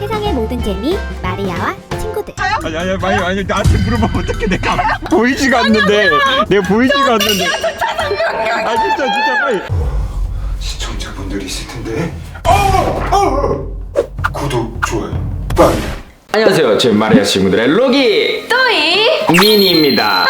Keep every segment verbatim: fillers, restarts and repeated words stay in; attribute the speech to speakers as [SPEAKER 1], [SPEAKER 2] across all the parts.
[SPEAKER 1] 세상의 모든 재미 마리아와 친구들.
[SPEAKER 2] 아니 아니 아니 아니 나한테 물어보면 어떻게 내가 보이지가 않는데 내가 보이지가 않는데 아 진짜 진짜 빨리 시청자분들이 있을 텐데 어! 어! 구독 좋아요 빨리.
[SPEAKER 3] 안녕하세요. 제 마리아 친구들의 로기
[SPEAKER 4] 또이
[SPEAKER 3] 미니입니다.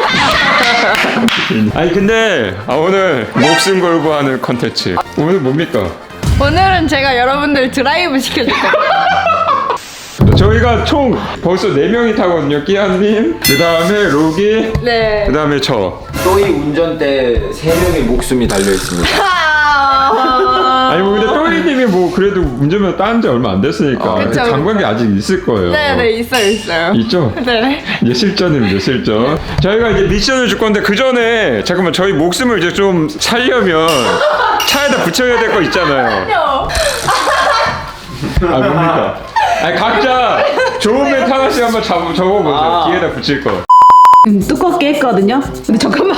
[SPEAKER 2] 아니 근데 아, 오늘 목숨 걸고 하는 컨텐츠 오늘 뭡니까?
[SPEAKER 4] 오늘은 제가 여러분들 드라이브 시켜줄 거예요.
[SPEAKER 2] 저희가 총 벌써 네 명이 타거든요. 끼안님, 그 다음에 로기,
[SPEAKER 4] 네.
[SPEAKER 2] 그 다음에 저.
[SPEAKER 3] 또이 운전대 세 명의 목숨이 달려 있습니다.
[SPEAKER 2] 아니 뭐 근데 또이님이 뭐 그래도 운전면 따는 지 얼마 안 됐으니까
[SPEAKER 3] 아,
[SPEAKER 4] 그쵸,
[SPEAKER 2] 장관계
[SPEAKER 4] 그쵸.
[SPEAKER 2] 아직 있을 거예요.
[SPEAKER 4] 네네 있어요 있어요.
[SPEAKER 2] 있죠?
[SPEAKER 4] 네.
[SPEAKER 2] 이제 실전입니다 실전. 저희가 이제 미션을 줄 건데 그 전에 잠깐만 저희 목숨을 이제 좀 살려면 차에다 붙여야 될 거 있잖아요. 아 뭡니까? 아니 각자 좋은 멘트 하나씩 한번 잡, 적어보세요.
[SPEAKER 3] 아.
[SPEAKER 2] 뒤에다 붙일 거.
[SPEAKER 5] 음, 두껍게 했거든요. 근데 잠깐만.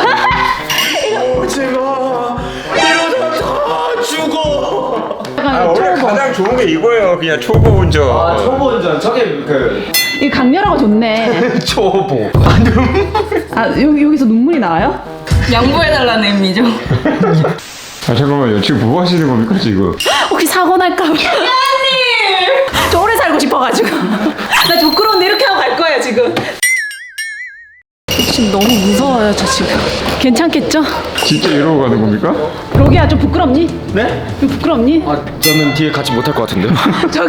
[SPEAKER 3] 제가 이러다 죽어.
[SPEAKER 2] 아 원래 가장 좋은 게 이거예요. 그냥 초보 운전.
[SPEAKER 3] 아 초보 운전 저게 그
[SPEAKER 5] 이 강렬하고 좋네.
[SPEAKER 3] 초보.
[SPEAKER 5] 아 여기 여기서 눈물이 나와요?
[SPEAKER 4] 양보해달라는 의미죠.
[SPEAKER 2] 아 잠깐만요. 지금 뭐 하시는 겁니까 지금?
[SPEAKER 5] 혹시 사고 날까봐. 야님! 저 오래 살고 싶어가지고. 나 부끄러운데 이렇게 하고 갈 거예요 지금. 지금 너무 무서워요 저 지금. 괜찮겠죠?
[SPEAKER 2] 진짜 이러고 가는 겁니까?
[SPEAKER 5] 로기야 좀 부끄럽니?
[SPEAKER 3] 네?
[SPEAKER 5] 좀 부끄럽니?
[SPEAKER 3] 아 저는 뒤에 같이 못할 것 같은데요.
[SPEAKER 5] 저기.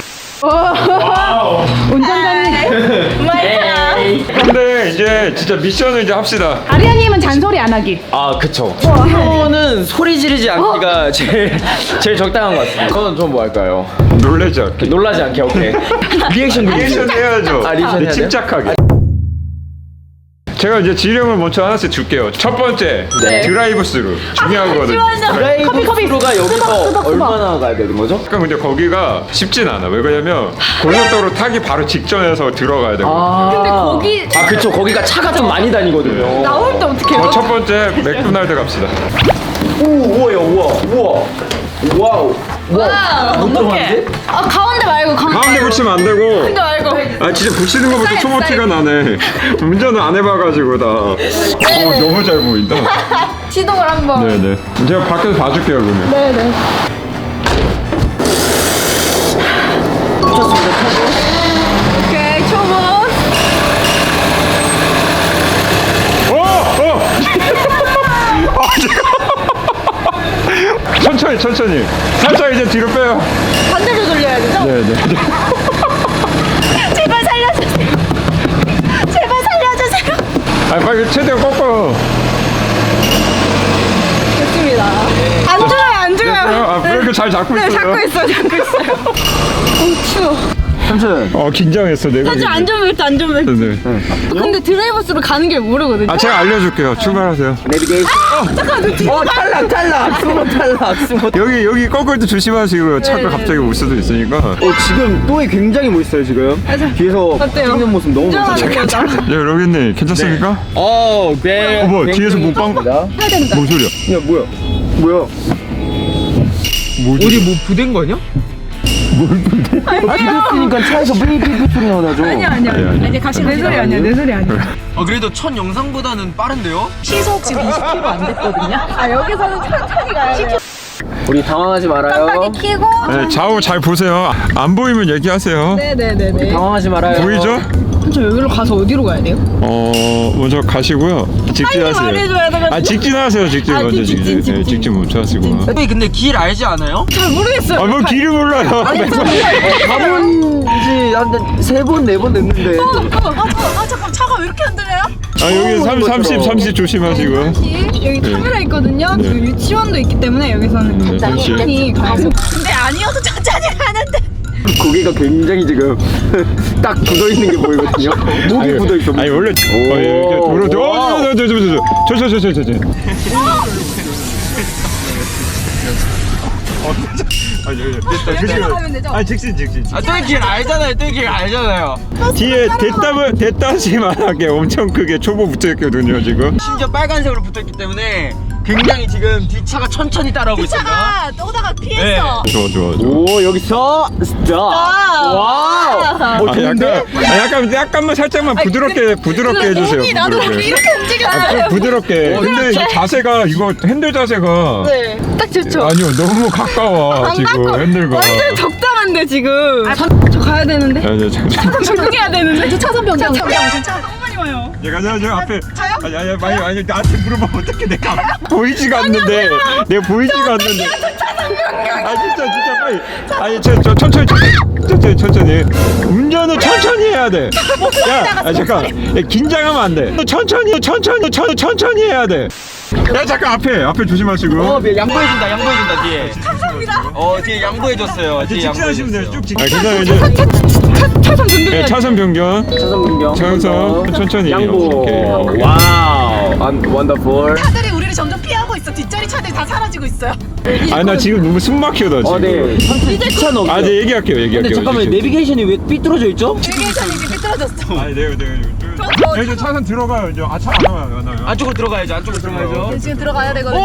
[SPEAKER 5] 운전자님.
[SPEAKER 4] 마이야.
[SPEAKER 2] 근데 이제 진짜 미션을 이제 합시다.
[SPEAKER 5] 아리아님은 잔소리 안 하기.
[SPEAKER 3] 아 그쵸. 이거는 소리 지르지 않기가 제일 제일 적당한 것 같습니다. 저는 좀 뭐 할까요?
[SPEAKER 2] 놀라지 않게.
[SPEAKER 3] 놀라지 않게 오케이. 리액션
[SPEAKER 2] 리액션 해야죠.
[SPEAKER 3] 아, 리액션 해야 돼요?
[SPEAKER 2] 침착하게. 제가 이제 지령을 먼저 하나씩 줄게요. 첫 번째
[SPEAKER 3] 네.
[SPEAKER 2] 드라이브 스루 중요하거든요.
[SPEAKER 3] 드라이브 스루가 여기서
[SPEAKER 5] 수박, 수박.
[SPEAKER 3] 얼마나 가야 되는 거죠?
[SPEAKER 2] 잠깐 근데 거기가 쉽진 않아. 왜 그러냐면 고속도로 타기 바로 직전에서 들어가야 되거든요.
[SPEAKER 3] 아
[SPEAKER 4] 근데 거기
[SPEAKER 3] 아 그쵸 거기가 차가 좀 많이 다니거든요.
[SPEAKER 4] 나올 때 어떻게
[SPEAKER 2] 어,
[SPEAKER 4] 해요?
[SPEAKER 2] 첫 번째 맥도날드 갑시다.
[SPEAKER 3] 오 우와야 우와 우와 와우
[SPEAKER 4] 와
[SPEAKER 3] 못 들어갔는데?
[SPEAKER 4] 아 가운데 말고 가운데.
[SPEAKER 2] 가운데 붙이면 안 되고.
[SPEAKER 4] 가운데 말고.
[SPEAKER 2] 아 진짜 붙이는 거부터
[SPEAKER 4] 사이드,
[SPEAKER 2] 초보 티가 나네. 운전을 안 해봐가지고 다. 어, 너무 잘 보인다.
[SPEAKER 4] 시동을 한번.
[SPEAKER 2] 네네. 제가 밖에서 봐줄게요 그러면.
[SPEAKER 4] 네네. 오케이 초보.
[SPEAKER 2] 어! 어! 아, 잠깐. 천천히 천천히 살짝 이제 뒤로 빼요.
[SPEAKER 4] 반대로 돌려야 되죠?
[SPEAKER 2] 네네.
[SPEAKER 4] 제발 살려주세요. 제발 살려주세요.
[SPEAKER 2] 아 빨리 최대한 꺾어.
[SPEAKER 4] 됐습니다. 안 죽어요 안 죽어요.
[SPEAKER 2] 아 브레이크 잘 잡고
[SPEAKER 4] 네
[SPEAKER 2] 있어요.
[SPEAKER 4] 잡고 있어요 잡고 있어요. 어 추워.
[SPEAKER 3] 삼촌
[SPEAKER 2] 어 긴장했어 내가.
[SPEAKER 4] 사실 안전벨트 안전벨트.
[SPEAKER 2] 네네.
[SPEAKER 4] 근데 드라이버스로 가는 길 모르거든요.
[SPEAKER 2] 아 제가 알려줄게요. 출발하세요.
[SPEAKER 3] 내비게이션 어 탈락 탈락 스모 탈락 스모
[SPEAKER 2] 여기 여기 꺾을 때 조심하시고요. 차가
[SPEAKER 4] 네네.
[SPEAKER 2] 갑자기 올 수도 있으니까.
[SPEAKER 3] 어 지금 또이 굉장히 멋있어요 지금 뒤에서
[SPEAKER 4] 어때요?
[SPEAKER 3] 찍는 모습 너무
[SPEAKER 4] 운전하는
[SPEAKER 3] 멋있어요.
[SPEAKER 4] 거죠?
[SPEAKER 2] 네 로겐님 괜찮습니까?
[SPEAKER 3] 어, 네.
[SPEAKER 2] 어, 뭐야, 뒤에서 뭐 빵-
[SPEAKER 3] 뭔
[SPEAKER 2] 뭔 소리야?
[SPEAKER 3] 뭐야? 뭐야?
[SPEAKER 2] 뭐지?
[SPEAKER 3] 어디 뭐 부된 거 아니야? 뭘 부대? 아, 부댔으니까 차에서 삐삐삐 소리 나죠?
[SPEAKER 4] 아니야 아니야.
[SPEAKER 2] 아니, 아니.
[SPEAKER 5] 이제 같이
[SPEAKER 4] 내 소리 아니야 내 소리 아니야.
[SPEAKER 3] 아, 그래도 첫 영상보다는 빠른데요?
[SPEAKER 5] 시속 지금 이십 킬로미터 안 됐거든요.
[SPEAKER 4] 아 여기서는 천천히 가야 돼요.
[SPEAKER 3] 우리 당황하지 말아요.
[SPEAKER 4] 깜빡이 켜고.
[SPEAKER 2] 네, 좌우 잘 보세요. 안 보이면 얘기하세요.
[SPEAKER 4] 네네네네.
[SPEAKER 3] 당황하지 말아요.
[SPEAKER 2] 보이죠?
[SPEAKER 4] 저 여기로 가서 어디로 가야 돼요?
[SPEAKER 2] 어 먼저 가시고요. 직진하세요.
[SPEAKER 4] 말해줘야 돼가지고.
[SPEAKER 2] 아 직진하세요. 직진
[SPEAKER 4] 아,
[SPEAKER 2] 먼저
[SPEAKER 4] 직진,
[SPEAKER 2] 직진.
[SPEAKER 4] 직진.
[SPEAKER 2] 네, 직진 먼저 하시고.
[SPEAKER 3] 선생님 근데 길 알지 않아요?
[SPEAKER 4] 잘 모르겠어요.
[SPEAKER 2] 아뭐 길을 몰라요.
[SPEAKER 3] 가본 지한세 번, 네 번 됐는데.
[SPEAKER 4] 어, 어, 아, 아 잠깐 차가 왜 이렇게 흔들려요?
[SPEAKER 2] 아 여기 삼,
[SPEAKER 3] 것처럼.
[SPEAKER 2] 삼십 삼십 조심하시고요.
[SPEAKER 4] 여기
[SPEAKER 2] 네.
[SPEAKER 4] 카메라 있거든요.
[SPEAKER 2] 네.
[SPEAKER 4] 그 유치원도 있기 때문에 여기서는
[SPEAKER 2] 네,
[SPEAKER 4] 천천히 가고. 근데 아니어도 천천히 가는데.
[SPEAKER 3] 고개가 굉장히 지금 딱 굳어 있는 게 보이거든요. 목이
[SPEAKER 2] 아니,
[SPEAKER 3] 굳어 있어.
[SPEAKER 2] 아니 원래
[SPEAKER 3] 오.
[SPEAKER 2] 어, 이렇게 도로
[SPEAKER 3] 와우.
[SPEAKER 2] 저저저저저저저저저 아, 여기 됐다.
[SPEAKER 4] 여기로 가면 되죠?
[SPEAKER 2] 아, 직진, 직진.
[SPEAKER 3] 아, 또이 길 알잖아요. 또이 길 알잖아요.
[SPEAKER 2] 뒤에 됐다면 됐다시만 하게 엄청 크게 초보 붙어 있거든요, 지금.
[SPEAKER 3] 심지어 빨간색으로 붙어 있기 때문에 굉장히 지금 뒷차가 천천히 따라오고 있습니다.
[SPEAKER 4] 차가 또 오다가 피했어.
[SPEAKER 2] 좋아 좋아 좋아.
[SPEAKER 3] 오 여기서 스탑. 와우.
[SPEAKER 2] 아,
[SPEAKER 3] 어 좋은데?
[SPEAKER 2] 약간, 아, 약간 약간만 살짝만 부드럽게 부드럽게 해주세요.
[SPEAKER 4] 몸이 나도
[SPEAKER 2] 부드럽게.
[SPEAKER 4] 이렇게 움직여.
[SPEAKER 2] 아, 부- 부드럽게. 근데 이 자세가 이거 핸들 자세가
[SPEAKER 5] 네, 딱 좋죠.
[SPEAKER 2] 아니요 너무 가까워 지금 핸들과.
[SPEAKER 5] 완전 적당한데 지금. 아, 저, 저 가야 되는데.
[SPEAKER 2] 아니 저 저.
[SPEAKER 5] 적응해야 되는데. 저 차선 변경.
[SPEAKER 4] 차선 변경 차 너무 많이 와요.
[SPEAKER 2] 내가 저, 저 앞에 아니 아니 아니 아니 나한테 물어보면 어떻게 내가 보이지가 않는데 내가 보이지가 않는데 아 진짜 진짜 빨리 아니 저, 저 천천히 천천히 천천히 운전은 천천히 해야 돼. 야 아, 잠깐 야, 긴장하면 안 돼. 천천히 천천히 천, 천천히 해야 돼. 야 잠깐 앞에 앞에 조심하시고.
[SPEAKER 3] 어 양보해준다 양보해준다 뒤에. 감사합니다. 어 뒤에 양보해줬어요. 뒤에
[SPEAKER 2] 직진하시면 돼요.
[SPEAKER 3] 양보해줬어요.
[SPEAKER 2] 쭉 직진. 아 그다음에 이제
[SPEAKER 5] 차선 변경.
[SPEAKER 2] 네, 차선 변경.
[SPEAKER 3] 차선 변경.
[SPEAKER 2] 차선 천천히.
[SPEAKER 3] 양보.
[SPEAKER 2] 오케이.
[SPEAKER 3] 와우. 원더풀.
[SPEAKER 4] 차들이 우리를 점점 피하고 있어. 뒷자리 차들이 다 사라지고 있어요.
[SPEAKER 2] 아니 나 지금 너무 숨 막혀 나 지금.
[SPEAKER 3] 어 네. 천천히 차 넘겨.
[SPEAKER 2] 아 이제 얘기할게요 얘기할게요.
[SPEAKER 3] 근데 잠깐만
[SPEAKER 2] 이제.
[SPEAKER 3] 내비게이션이 왜 삐뚤어져 있죠?
[SPEAKER 4] 내비게이션이 이제 삐뚤어졌어.
[SPEAKER 2] 아니 내가 내가 이제 이제 차선 들어가요 이제 아차 안 나와요 안 나와요.
[SPEAKER 3] 안쪽으로 들어가야죠. 안쪽으로 들어가야죠.
[SPEAKER 4] 지금 들어가야 되거든요.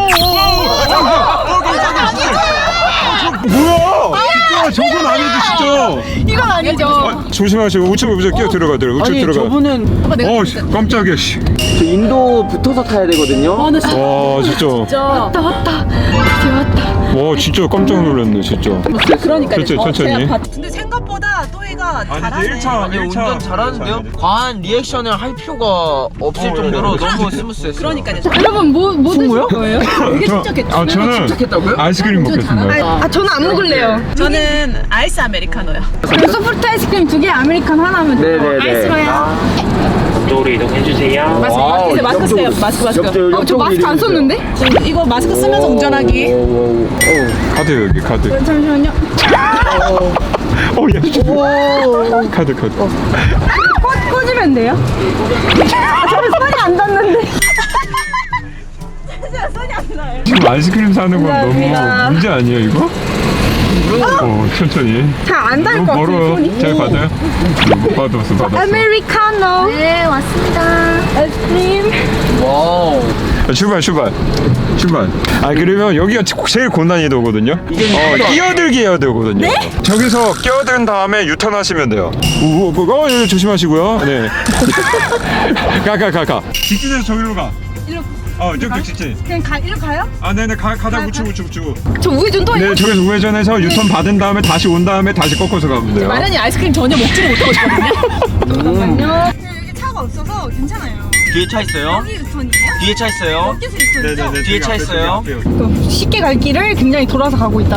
[SPEAKER 2] 뭐야? 진짜 저건 아니지 진짜.
[SPEAKER 4] 이건 아니죠.
[SPEAKER 2] 아, 조심하시고 우측 우측 끼어 들어가 들어 우측
[SPEAKER 3] 아니
[SPEAKER 2] 들어가.
[SPEAKER 3] 저분은
[SPEAKER 2] 어 씨, 깜짝이야 씨.
[SPEAKER 3] 저 인도 붙어서 타야 되거든요.
[SPEAKER 2] 와 진짜.
[SPEAKER 5] 왔다 왔다. 드디어 왔다.
[SPEAKER 2] 와 진짜 깜짝 놀랐네 진짜.
[SPEAKER 5] 그러니까.
[SPEAKER 2] 천천히 천천히.
[SPEAKER 4] 근데 생각보다 또이가 잘하네.
[SPEAKER 2] 일 차
[SPEAKER 3] 아니 운전 잘하는데요? 과한 리액션을 할 필요가 없을
[SPEAKER 2] 어,
[SPEAKER 3] 정도로
[SPEAKER 2] 예.
[SPEAKER 3] 너무 스무스했어요.
[SPEAKER 4] 그러니까요.
[SPEAKER 5] 여러분 뭐 뭐 드실 거예요?
[SPEAKER 4] 되게
[SPEAKER 2] 저-
[SPEAKER 4] 침착했죠.
[SPEAKER 2] 아 저는
[SPEAKER 3] 침착했다고요?
[SPEAKER 2] 아이스크림 먹겠습니다.
[SPEAKER 5] 아 저는 안 먹을래요.
[SPEAKER 4] 저는 아이스 아메리카노요.
[SPEAKER 5] 그럼 소프트 아이스크림 두 개, 아메리칸 하나면 돼요.
[SPEAKER 3] 네네네.
[SPEAKER 5] 아이스로요.
[SPEAKER 6] 쪽으로 이동해주세요.
[SPEAKER 4] 마스크
[SPEAKER 3] 와우,
[SPEAKER 4] 이제 마스크 쓰세요. 마스크 마스크.
[SPEAKER 3] 옆쪽,
[SPEAKER 5] 어, 저 마스크 안 썼는데?
[SPEAKER 4] 지금 이거 마스크 쓰면서 운전하기.
[SPEAKER 2] 카드 여기 카드.
[SPEAKER 5] 잠시만요.
[SPEAKER 2] 어야 카드 카드.
[SPEAKER 5] 꽂, 꽂으면 돼요? 아, 저는 손이 안 닿는데.
[SPEAKER 2] 지금 아이스크림 사는 건
[SPEAKER 5] 감사합니다.
[SPEAKER 2] 너무 문제 아니에요 이거? 어 천천히.
[SPEAKER 5] 잘 안 닿을 것
[SPEAKER 2] 너무
[SPEAKER 5] 같아요,
[SPEAKER 2] 멀어요.
[SPEAKER 5] 손이.
[SPEAKER 2] 잘 받아요? 못 받았어 받았어.
[SPEAKER 5] 아메리카노. 네, 왔습니다. 아이스크림.
[SPEAKER 3] 와우.
[SPEAKER 2] 아, 출발 출발 출발. 아 그러면 여기가 제일 고난이도거든요. 어 끼어들기 해야 되거든요. 저기서 끼어든 다음에 유턴하시면 돼요. 오, 오, 어, 예, 조심하시고요. 네. 가 가 가 가. 직진해서 저기로 가.
[SPEAKER 5] 이리로.
[SPEAKER 2] 어 저기 직진.
[SPEAKER 5] 그냥 가, 이리로 가요?
[SPEAKER 2] 아 네네 가 가다 우측 우측 우측.
[SPEAKER 5] 저 우회전 또
[SPEAKER 2] 네 저기서 우회전해서 유턴 받은 다음에 다시 온 다음에 다시 꺾어서 가면 돼요.
[SPEAKER 4] 마련이 아이스크림 전혀 먹지를 못하고 있거든요.
[SPEAKER 5] 잠깐만요. 여기 차가 없어서 괜찮아요.
[SPEAKER 3] 뒤에 차 있어요?
[SPEAKER 5] 여기 유턴이에요?
[SPEAKER 3] 뒤에 차 있어요?
[SPEAKER 5] 여기서 유턴이죠?
[SPEAKER 2] 네네네.
[SPEAKER 3] 뒤에 차 있어요?
[SPEAKER 5] 쉽게 갈 길을 굉장히 돌아서 가고 있다.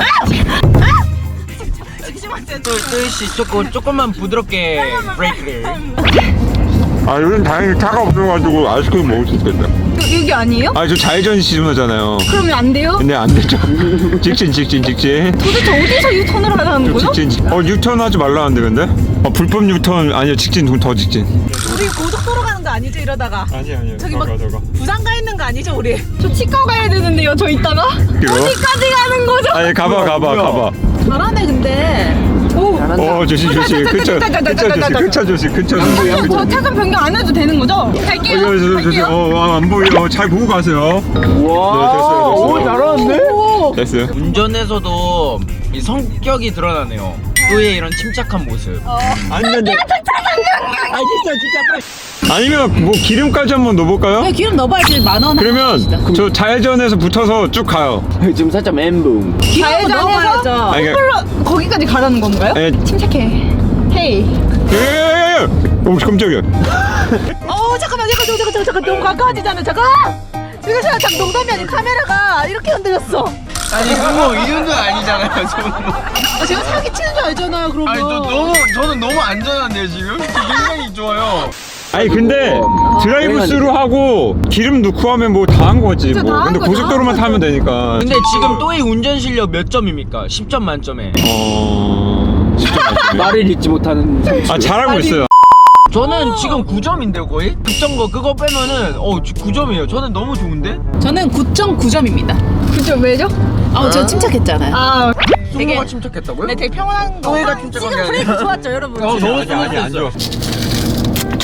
[SPEAKER 3] 또이씨 조금 조금만 부드럽게 브레이크를.
[SPEAKER 2] 아 요즘 다행히 차가 없어가지고 아이스크림 먹을 수 있겠다.
[SPEAKER 5] 여, 여기 아니에요?
[SPEAKER 2] 아 저 좌회전 시전하잖아요.
[SPEAKER 5] 그러면 안 돼요?
[SPEAKER 2] 근데 안 되죠. 직진 직진 직진.
[SPEAKER 5] 도대체 어디서 유턴을 하라는 거죠?
[SPEAKER 2] 직진 직- 어 유턴 하지 말라는데 근데? 어 불법 유턴 아니요 직진 더 직진.
[SPEAKER 4] 우리 고속도로 가는 거 아니죠 이러다가?
[SPEAKER 2] 아니 아니요.
[SPEAKER 4] 저기 막 부산 가 있는 거 아니죠 우리?
[SPEAKER 5] 저 치과 가야 되는데요, 저 이따가? 어디까지 가는 거죠?
[SPEAKER 2] 아니 가봐 가봐 가봐.
[SPEAKER 4] 잘하네 근데.
[SPEAKER 5] 오,
[SPEAKER 2] 어 조심 조심. 근처 근처 조심 근처 조심 근처 조심.
[SPEAKER 5] 저 차선 변경 안 해도 되는 거죠? 갈게요. 갈게요.
[SPEAKER 2] 어안 보여. 잘 보고 가세요.
[SPEAKER 3] 와.
[SPEAKER 2] 네, 됐어요, 됐어요.
[SPEAKER 3] 오 잘하는데?
[SPEAKER 2] 됐어요.
[SPEAKER 3] 운전에서도 이 성격이 드러나네요. 또의 이런 침착한 모습.
[SPEAKER 2] 아니면 아 진짜 진짜 빨리. 아니면 뭐 기름까지 한번 넣어볼까요?
[SPEAKER 4] 네, 기름 넣어봐야지 만 원.
[SPEAKER 2] 그러면 저 좌회전에서 붙어서 쭉 가요.
[SPEAKER 3] 지금 살짝 멘붕.
[SPEAKER 4] 기름 넣어봐야죠.
[SPEAKER 2] 아니,
[SPEAKER 5] 홀로 거기까지 가라는 건가요?
[SPEAKER 2] 에,
[SPEAKER 5] 침착해. 헤이.
[SPEAKER 2] 예예예. 오 깜짝이야.
[SPEAKER 4] 어 잠깐만 잠깐 잠깐 잠깐 잠깐 너무 가까워지잖아 잠깐. 지금 제가 참 농담이 아닌 카메라가 이렇게 흔들렸어.
[SPEAKER 3] 아니 그거 이 정도는 아니잖아요. 저는.
[SPEAKER 4] 아, 제가 사기 치는 줄 알잖아요 그런 거.
[SPEAKER 3] 아니 저 너무 저는 너무 안전한데요 지금. 굉장히 좋아요.
[SPEAKER 2] 아니 근데 드라이브 스루 하고 기름 넣고 하면 뭐 다 한 거지
[SPEAKER 5] 진짜
[SPEAKER 2] 뭐.
[SPEAKER 5] 다한
[SPEAKER 2] 근데
[SPEAKER 5] 거죠.
[SPEAKER 2] 고속도로만 타면 되니까.
[SPEAKER 3] 근데 지금 또의 운전 실력 몇 점입니까? 십 점 만점에.
[SPEAKER 2] 어. 진짜 맛있네.
[SPEAKER 3] 말을 잊지 못하는.
[SPEAKER 2] 아 잘하고 있어요.
[SPEAKER 3] 저는 지금 구 점인데요 거의? 급정 거 그거 빼면은 어 구 점이에요. 저는 너무 좋은데?
[SPEAKER 4] 저는 구 점 구 점입니다.
[SPEAKER 5] 그죠, 왜죠?
[SPEAKER 4] 아, 저 침착했잖아요.
[SPEAKER 5] 아,
[SPEAKER 3] 승모가 침착했다고요?
[SPEAKER 4] 네, 되게 평온한 거.
[SPEAKER 3] 또해가 침착한 게
[SPEAKER 4] 지금
[SPEAKER 3] 아니라.
[SPEAKER 4] 프레임 좋았죠, 여러분.
[SPEAKER 3] 어, 너무
[SPEAKER 2] 아니 아니 안 좋아.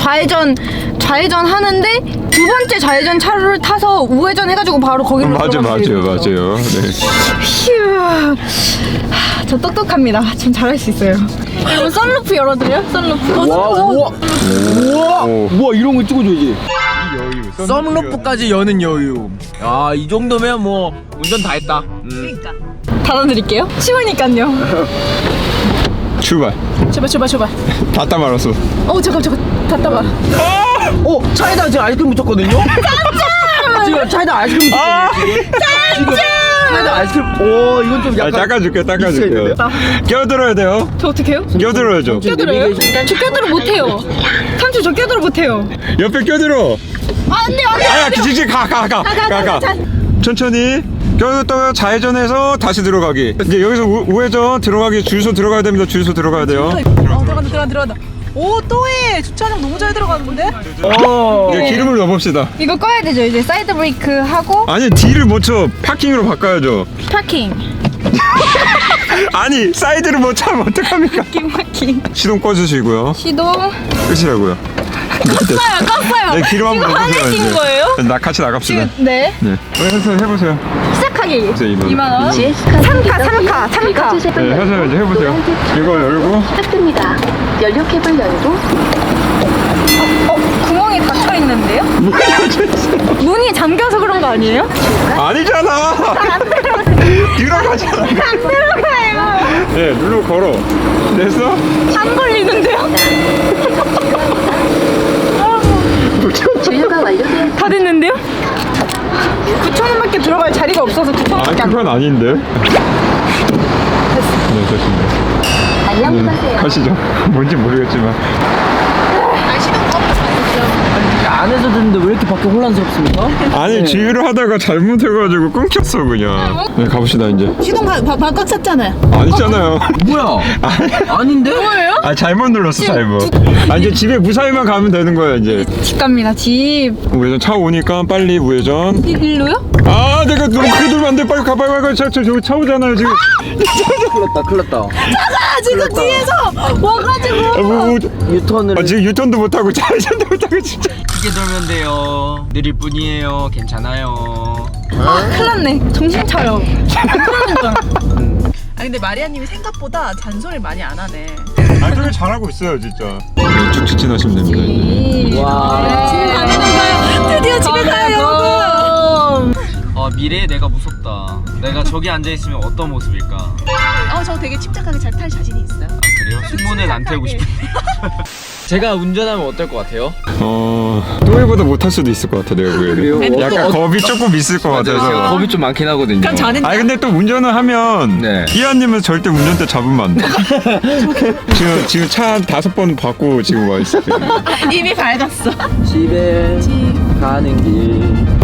[SPEAKER 5] 좌회전 좌회전 하는데 두 번째 좌회전 차로를 타서 우회전 해가지고 바로 거기로
[SPEAKER 2] 맞아 맞아요
[SPEAKER 5] 들어가면
[SPEAKER 2] 맞아요. 네.
[SPEAKER 5] 휴. 하, 저 똑똑합니다. 전 잘할 수 있어요. 여러분 썬루프 열어드려요? 썬루프. 어,
[SPEAKER 3] 와
[SPEAKER 5] 썬루프.
[SPEAKER 3] 우와 우와
[SPEAKER 2] 오.
[SPEAKER 3] 우와 이런 거 찍어줘야지.
[SPEAKER 2] 여유.
[SPEAKER 3] 썬루프까지 여는 여유. 아 이 정도면 뭐 운전 다 했다. 음.
[SPEAKER 5] 닫아드릴게요. 쉬우니까요.
[SPEAKER 2] 출발.
[SPEAKER 5] 제발 제발 제발.
[SPEAKER 2] 닫다 말았어.
[SPEAKER 5] 어 잠깐 잠깐 닫다봐.
[SPEAKER 3] 어 차에다 지금 아이스크림 묻혔거든요. 짠짠. 지금 차에다 아이스크림 묻혔거든요. 지금 차에다 아이스크림. 오 이건 좀
[SPEAKER 2] 아,
[SPEAKER 3] 약간.
[SPEAKER 2] 닦아줄게 닦아줄게. 껴들어야 돼요.
[SPEAKER 5] 저 어떻게 해요?
[SPEAKER 2] 껴들어야죠.
[SPEAKER 5] 껴들어요? 저 껴들어 못해요. 삼촌 저 껴들어 못해요.
[SPEAKER 2] 옆에 껴들어.
[SPEAKER 5] 안돼 안돼.
[SPEAKER 2] 아야 지지 가가 가 가 가. 천천히. 껴들었다가 좌회전해서 다시 들어가기. 이제 여기서 우, 우회전 들어가기 주유소 들어가야 됩니다. 주유소 들어가야 돼요.
[SPEAKER 4] 어 들어간다 들어간다 들어간다. 오 또해 주차장 너무 잘 들어가는데?
[SPEAKER 3] 어.
[SPEAKER 2] 이제 기름을 넣어봅시다.
[SPEAKER 5] 이거 꺼야 되죠. 이제 사이드 브레이크 하고
[SPEAKER 2] 아니 D를 못 쳐. 파킹으로 바꿔야죠.
[SPEAKER 5] 파킹.
[SPEAKER 2] 아니 사이드를 못 차면 어떡합니까?
[SPEAKER 5] 파킹.
[SPEAKER 2] 시동 꺼주시고요.
[SPEAKER 5] 시동.
[SPEAKER 2] 끝이라고요.
[SPEAKER 5] 껐어요 껐어요.
[SPEAKER 2] 네, 기름 한번
[SPEAKER 5] 이거
[SPEAKER 2] 넣어주세요.
[SPEAKER 5] 화내신
[SPEAKER 2] 이제.
[SPEAKER 5] 거예요?
[SPEAKER 2] 나 같이 나갑시다.
[SPEAKER 5] 네.
[SPEAKER 2] 네. 해서 해보세요.
[SPEAKER 5] 시작하기.
[SPEAKER 2] 이만 원.
[SPEAKER 5] 이만 원. 삼카 삼카 삼카.
[SPEAKER 2] 네, 해서 이제 해보세요. 이거 열고.
[SPEAKER 1] 부탁드립니다. 연료캡을 열고
[SPEAKER 5] 어 구멍이 닫혀 있는데요? 문이 잠겨서 그런 거 아니에요?
[SPEAKER 2] 아니잖아. 들어가잖아.
[SPEAKER 5] 안 들어가요.
[SPEAKER 2] 네, 눌러 걸어. 됐어?
[SPEAKER 5] 안 걸리는데요?
[SPEAKER 1] 주유가 완료되었습니다.
[SPEAKER 5] 다 됐는데요? 구천 원밖에 들어갈 자리가 없어서 구천
[SPEAKER 2] 아,
[SPEAKER 5] 원밖에 안.
[SPEAKER 2] 그건 아닌데. 네, 됐습니다.
[SPEAKER 1] 안녕 하세요.
[SPEAKER 2] 가시죠. 뭔지 모르겠지만.
[SPEAKER 3] 안에서 듣는데 왜 이렇게 밖에 혼란스럽습니까?
[SPEAKER 2] 아니, 주유를 하다가 잘못해가지고 끊겼어, 그냥. 네, 가봅시다, 이제.
[SPEAKER 4] 시동 바꽉 찼잖아요.
[SPEAKER 2] 아니잖아요.
[SPEAKER 3] 뭐야? 아닌데?
[SPEAKER 5] 뭐예요?
[SPEAKER 2] 아, 잘못 눌렀어, 잘못. 아, 이제 집에 무사히만 가면 되는 거야, 이제.
[SPEAKER 5] 집 갑니다. 집.
[SPEAKER 2] 우회전 차 오니까 빨리 우회전.
[SPEAKER 5] 이- 일로요?
[SPEAKER 2] 아, 내가 너무 크게 돌면 안 돼. 빨리 가, 빨리 가. 저, 저, 저기 차 오잖아요, 지금.
[SPEAKER 3] 큰일 났다 큰일 났다.
[SPEAKER 4] 아 지금 뒤에서 와가지고.
[SPEAKER 2] 아, 뭐, 뭐.
[SPEAKER 3] 유턴을
[SPEAKER 2] 아, 지금 유턴도 못하고 좌회전도 못하고, 진짜.
[SPEAKER 3] 크게 돌면 돼요. 느릴 뿐이에요. 괜찮아요.
[SPEAKER 5] 아 큰일 났네. 정신 차려. 그러니까.
[SPEAKER 4] 아 근데 마리아님이 생각보다 잔소리를 많이 안 하네.
[SPEAKER 2] 아, 되게 잘하고 있어요, 진짜. 네, 쭉 직진하시면 됩니다, 이제.
[SPEAKER 3] 와.
[SPEAKER 4] 집에 가는 건가요? 드디어 집에 가요 여러분.
[SPEAKER 3] 어 미래의 내가 무섭다. 내가 저기 앉아 있으면 어떤 모습일까? 아
[SPEAKER 4] 어저 되게 침착하게 잘 탈 자신이 있어요.
[SPEAKER 3] 그래요? 승무는 안 태우고 싶은데. 제가 운전하면 어떨 것 같아요?
[SPEAKER 2] 어, 또래보다 못할 수도 있을 것 같아, 내가 보기에는.
[SPEAKER 3] 그래요?
[SPEAKER 2] 약간
[SPEAKER 3] 어떤-
[SPEAKER 2] 겁이 조금 있을 것 같아서.
[SPEAKER 3] 겁이 좀 많긴 하거든요.
[SPEAKER 4] 그럼 저는
[SPEAKER 2] 아니 근데 또 운전을 하면
[SPEAKER 3] 네.
[SPEAKER 2] 이하님은 절대 운전대 잡으면 안 돼. 지금 지금 차 다섯 번 받고 지금 와 있어요.
[SPEAKER 4] 이미 밝았어.
[SPEAKER 3] 집에 가는 길.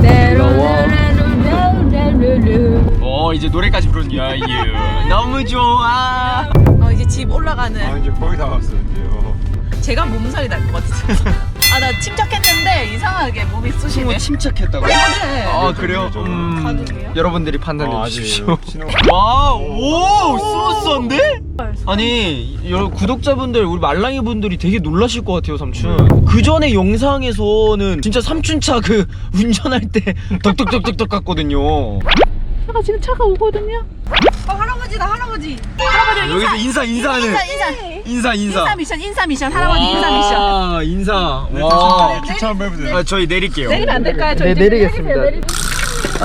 [SPEAKER 3] 어 이제 노래까지 부르는 야유 너무 좋아.
[SPEAKER 4] 어 이제 집 올라가는.
[SPEAKER 2] 이제 거의 다 왔어요.
[SPEAKER 4] 제가 몸살이 날 것 같아. 아 나 침착했는데 이상하게 몸이 쑤시네.
[SPEAKER 3] 승무 침착했다고?
[SPEAKER 4] 네.
[SPEAKER 3] 아 그래요? 음,
[SPEAKER 4] 가능해요?
[SPEAKER 3] 여러분들이 판단해
[SPEAKER 2] 아,
[SPEAKER 3] 주십시오.
[SPEAKER 2] 신호.
[SPEAKER 3] 와, 오, 스무스한데? 아니, 여 구독자분들, 우리 말랑이 분들이 되게 놀라실 것 같아요, 삼촌. 그 전에 영상에서는 진짜 삼촌 차 그 운전할 때 덕덕덕덕덕 갔거든요.
[SPEAKER 4] 차가 지금 차가 오거든요. 어 할아버지다 할아버지. 할아버지
[SPEAKER 3] 여기서 인사 인사하는
[SPEAKER 4] 인사 인사.
[SPEAKER 3] 인사 인사.
[SPEAKER 4] 인사 미션 인사 미션 할아버지 인사 미션.
[SPEAKER 3] 와, 인사. 와.
[SPEAKER 2] 주차 한번 해보세요.
[SPEAKER 3] 아, 저희 내릴게요.
[SPEAKER 4] 내리면 안 될까요? 저희
[SPEAKER 3] 네,
[SPEAKER 4] 이제
[SPEAKER 3] 내리겠습니다.
[SPEAKER 4] 내리세요, 내리세요.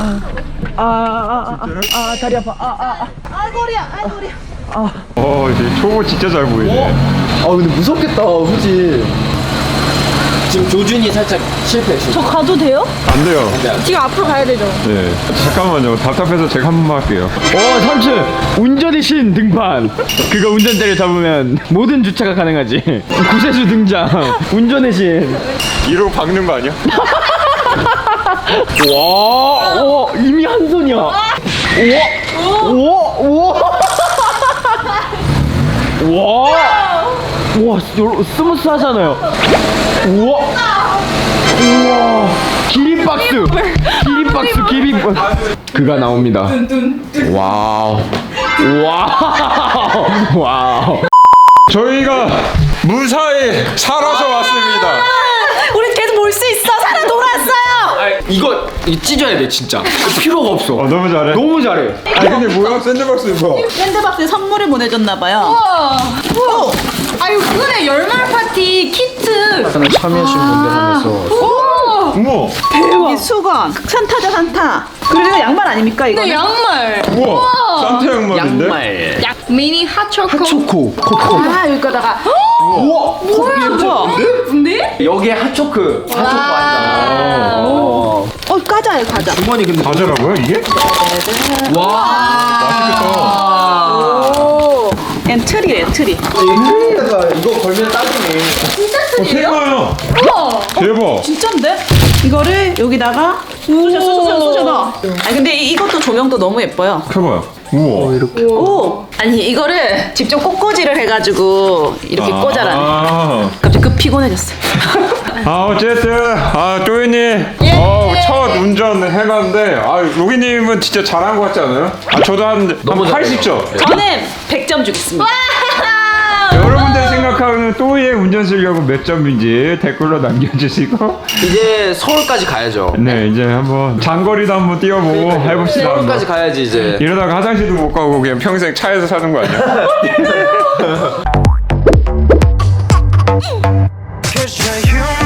[SPEAKER 4] 아아아아 다리 아파. 아아 아 머리야 아 머리야.
[SPEAKER 2] 어 이제 초보 진짜 잘 보이네.
[SPEAKER 3] 아 근데 무섭겠다, 그치? 지금 조준이 살짝 실패했어.
[SPEAKER 5] 저 가도 돼요?
[SPEAKER 2] 안 돼요.
[SPEAKER 5] 지금 앞으로 가야 되죠.
[SPEAKER 2] 네. 잠깐만요. 답답해서 제가 한 번만 할게요.
[SPEAKER 6] 어 삼촌 운전의 신 등판. 그거 운전대를 잡으면 모든 주차가 가능하지. 구세주 등장. 운전의 신.
[SPEAKER 2] 이러고 박는 거 아니야?
[SPEAKER 6] 와, 와 이미 한 손이야. 우와, 우와, 우와. 와, 우와, 스무스하잖아요. 우와, 우와, 기립박수, 기립박수, 기립박수. 그가 나옵니다. 와우, 와우, 와우.
[SPEAKER 2] 저희가 무사히 살아서 왔습니다.
[SPEAKER 3] 이거 이거 찢어야 돼 진짜. 필요가 없어.
[SPEAKER 2] 어 너무 잘해.
[SPEAKER 3] 너무 잘해.
[SPEAKER 2] 아니 근데 뭐야 샌드박스 이거.
[SPEAKER 4] 샌드박스에 선물을 보내줬나봐요.
[SPEAKER 5] 우와. 우와. 아유 그거네 열말 파티 키트.
[SPEAKER 3] 참여하신 분들 하면서.
[SPEAKER 5] 우와.
[SPEAKER 2] 우와.
[SPEAKER 4] 여기 수건, 산타죠 산타. 그리고 이거 양말 아닙니까 이거?
[SPEAKER 5] 네 양말.
[SPEAKER 2] 우와. 산타 양말인데?
[SPEAKER 3] 양말.
[SPEAKER 5] 약 미니 핫초코.
[SPEAKER 3] 초코. 코코.
[SPEAKER 4] 아 여기다가
[SPEAKER 3] 우와.
[SPEAKER 5] 뭐야 뭐야? 예쁜데?
[SPEAKER 3] 여기에 핫초크. 핫초코 아니잖아. 어.
[SPEAKER 4] 어 과자예요 과자.
[SPEAKER 3] 주머니 근데
[SPEAKER 2] 과자라고요 이게?
[SPEAKER 3] 와.
[SPEAKER 2] 맛있겠다.
[SPEAKER 4] 오, 앤 트리예요 트리.
[SPEAKER 3] 이거 이거 걸면 딱이네.
[SPEAKER 2] 어 세가요.
[SPEAKER 5] 우와.
[SPEAKER 2] 대박.
[SPEAKER 4] 진짠데? 이거를 여기다가 쏘셔 쏘셔 쏘셔. 아니 근데 이- 이것도 조명도 너무 예뻐요.
[SPEAKER 2] 해봐요. 우와.
[SPEAKER 4] 오 아니 이거를 직접 꽃꽂이를 해가지고 이렇게 꽂아라.
[SPEAKER 2] 아,
[SPEAKER 4] 갑자기 급 피곤해졌어요.
[SPEAKER 2] 아 어쨌든 아 또이님 어, 첫 운전 해봤는데 아 로기님은 진짜 잘한 것 같지 않아요? 아 저도 한, 한 팔십 점.
[SPEAKER 4] 저는 백 점 주겠습니다.
[SPEAKER 2] 여러분들이 생각하는 또이의 운전 실력은 몇 점인지 댓글로 남겨주시고
[SPEAKER 3] 이제 서울까지 가야죠.
[SPEAKER 2] 네 이제 한번 장거리도 한번 뛰어보고 해봅시다.
[SPEAKER 3] 서울까지
[SPEAKER 2] 한번.
[SPEAKER 3] 가야지 이제.
[SPEAKER 2] 이러다가 화장실도 못 가고 그냥 평생 차에서 사는 거 아니야?
[SPEAKER 7] Cause you're human